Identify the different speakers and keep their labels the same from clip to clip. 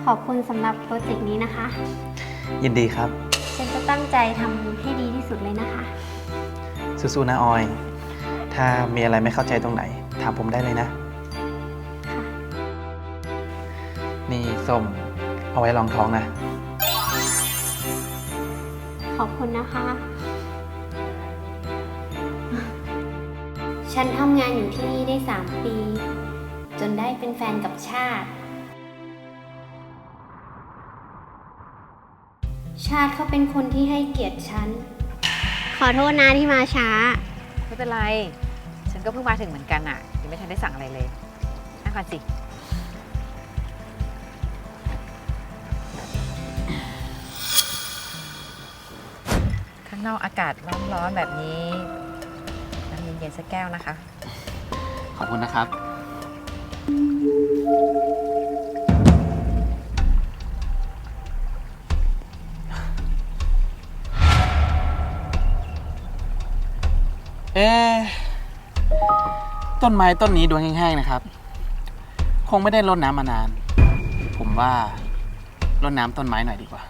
Speaker 1: อบคุณสำหรับโปรเจกต์นี้นะคะ
Speaker 2: ยินดีครับ
Speaker 1: ฉันจะตั้งใจทำให้ดีที่สุดเลยนะคะ
Speaker 2: สู้ๆนะออย ถ้ามีอะไรไม่เข้าใจตรงไหน ถามผมได้เลยนะ
Speaker 1: ค่ะ
Speaker 2: นี่ส้มเอาไว้รองท้องนะ
Speaker 1: ขอบคุณนะคะ ฉันทำงานอยู่ที่นี่ได้3 ปี จนได้เป็นแฟนกับชาติ ชาติเขาเป็นคนที่ให้เกียรติฉัน ขอโทษนะที่มาช้า
Speaker 3: ไม่เป็นไร ฉันก็เพิ่งมาถึงเหมือนกันอะยังไม่ทันได้สั่งอะไรเลยนั่งก่อนสิ ข้างนอกอากาศร้อนๆแบบนี้ น้ำเย็นๆสักแก้วนะคะ
Speaker 2: ขอบคุณนะครับ เอ๊ะต้นไม้ต้นนี้ดูแห้งๆนะครับ คงไม่ได้รดน้ำมานาน ผมว่ารดน้ำต้นไม้หน่อยดีกว่า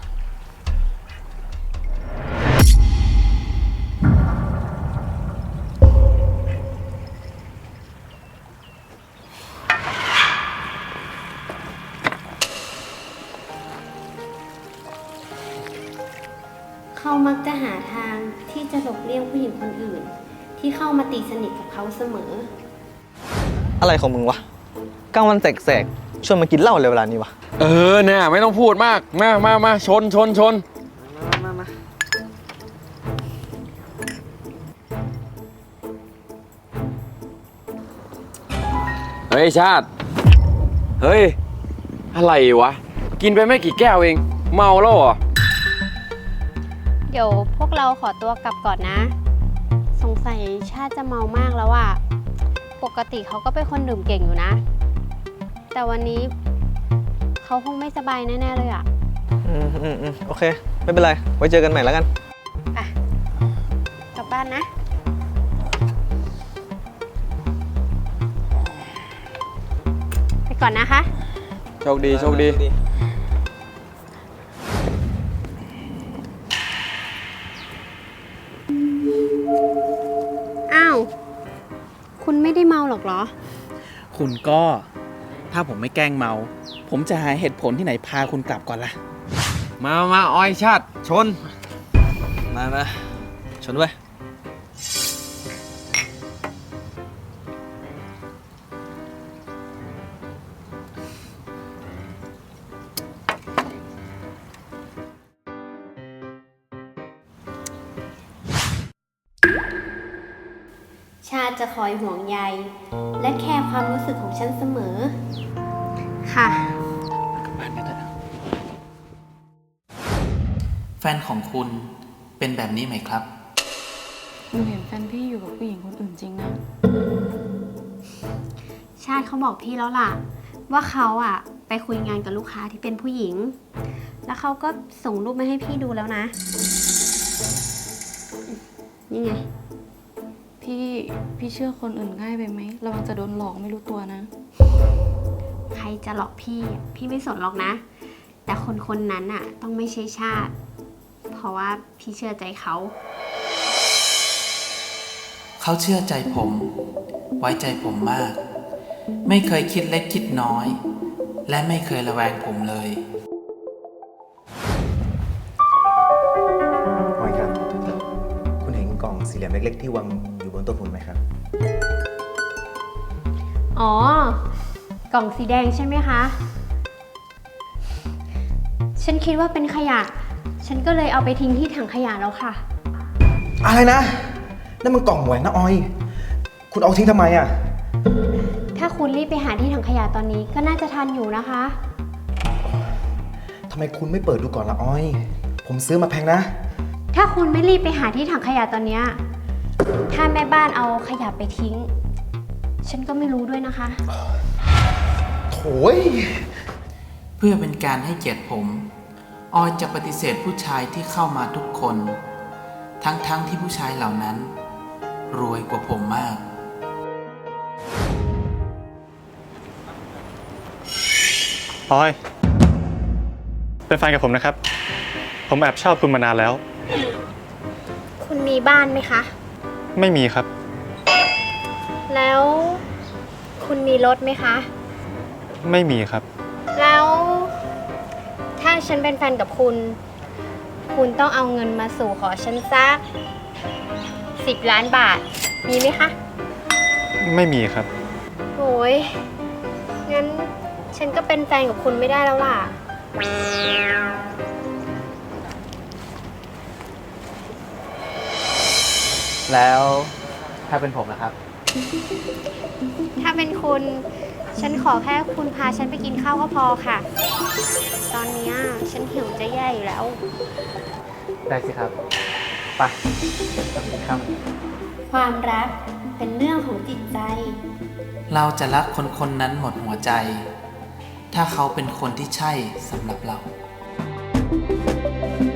Speaker 1: เขามักจะหาทางที่จะหลบเลี่ยงผู้หญิงคนอื่น ที่เข้ามาตีสนิทกับเขาเสมอ
Speaker 4: อะไรของมึงวะกลางวันแสกๆชวนมากินเหล้าเลยเวลานี้วะ
Speaker 5: เนี่ยไม่ต้องพูดมาก มาชน
Speaker 4: มา
Speaker 5: เฮ้ยชาติ เฮ้ย อะไรวะ กินไปไม่กี่แก้วเอง เมาแล้วเหรอ
Speaker 1: เดี๋ยวพวกเราขอตัวกลับก่อนนะ สงสัยชาติจะเมามากแล้วอะปกติเขาก็เป็นคนดื่มเก่งอยู่นะ แต่วันนี้เขาคงไม่สบายแน่ๆเลยอะ
Speaker 4: โอเค ไม่เป็นไร ไว้เจอกันใหม่แล้วกัน
Speaker 1: อ่ะกลับบ้านนะ ไปก่อนนะคะ
Speaker 5: โชคดี
Speaker 1: อ้าว คุณไม่ได้เมาหรอกเหรอ
Speaker 2: คุณก็ ถ้าผมไม่แกล้งเมา ผมจะหาเหตุผลที่ไหนพาคุณกลับก่อนล่ะ
Speaker 5: มาออยชาติ ชน
Speaker 4: มาชนด้วย
Speaker 1: ชาติจะคอยห่วงใยและแคร์ความรู้สึกของฉันเสมอ ค่ะ
Speaker 2: กลับบ้านกันเถอะแฟนของคุณเป็นแบบนี้ไหมครับ
Speaker 6: หนูเห็นแฟนพี่อยู่กับผู้หญิงคนอื่นจริงนะ
Speaker 1: ชาติเขาบอกพี่แล้วล่ะ ว่าเขาอะไปคุยงานกับลูกค้าที่เป็นผู้หญิง แล้วเขาก็ส่งรูปมาให้พี่ดูแล้วนะ นี่ไง
Speaker 6: พี่เชื่อคนอื่นง่ายไปไหมระวังจะโดนหลอกไม่รู้ตัวนะ
Speaker 1: ใครจะหลอกพี่อะพี่ไม่สนหรอกนะ แต่คนคนนั้นอะต้องไม่ใช่ชาติ เพราะว่าพี่เชื่อใจเขา
Speaker 2: เขาเชื่อใจผม ไว้ใจผมมาก ไม่เคยคิดเล็กคิดน้อย และไม่เคยระแวงผมเลย
Speaker 7: ออยครับ คุณเห็นกล่องสี่เหลี่ยมเล็กๆที่วางอยู่บนโต๊ะคุณไหมครับ
Speaker 1: อ๋อ กล่องสีแดงใช่ไหมคะ ฉันคิดว่าเป็นขยะ ฉันก็เลยเอาไปทิ้งที่ถังขยะแล้วค่ะ
Speaker 7: อะไรนะ นั่นมันกล่องแหวนนะออย คุณเอาทิ้งทำไมอ่ะ
Speaker 1: ถ้าคุณรีบไปหาที่ถังขยะตอนนี้ก็น่าจะทันอยู่นะคะ
Speaker 7: ทำไมคุณไม่เปิดดูก่อนละออย ผมซื้อมาแพงนะ
Speaker 1: ถ้าคุณไม่รีบไปหาที่ถังขยะตอนเนี้ยถ้าแม่บ้านเอาขยะไปทิ้ง ฉันก็ไม่รู้ด้วยนะคะ
Speaker 7: โถย
Speaker 2: เพื่อเป็นการให้เกียรติผม ออยจะปฏิเสธผู้ชายที่เข้ามาทุกคน ทั้งที่ผู้ชายเหล่านั้น รวยกว่าผมมาก
Speaker 4: ออย
Speaker 8: เป็นแฟนกับผมนะครับ ผมแอบชอบคุณมานานแล้ว
Speaker 1: คุณมีบ้านไหมคะ
Speaker 8: ไม่มีครับ
Speaker 1: แล้วคุณมีรถไหมคะ
Speaker 8: ไม่มีครับ
Speaker 1: แล้วถ้าฉันเป็นแฟนกับคุณ คุณต้องเอาเงินมาสู่ขอฉันสัก10 ล้านบาท มีไหมคะ
Speaker 8: ไม่มีครับ
Speaker 1: โอ้ยงั้นฉันก็เป็นแฟนกับคุณไม่ได้แล้วล่ะ
Speaker 2: แล้วถ้าเป็นผมนะครับ
Speaker 1: ถ้าเป็นคุณ ฉันขอแค่คุณพาฉันไปกินข้าวก็พอค่ะ ตอนเนี้ยฉันหิวจะแย่อยู่แล้ว
Speaker 2: ได้สิครับ ไปไปกินข้าว
Speaker 1: ความรักเป็นเรื่องของจิตใจ
Speaker 9: เราจะรักคนคนนั้นหมดหัวใจ ถ้าเขาเป็นคนที่ใช่สำหรับเรา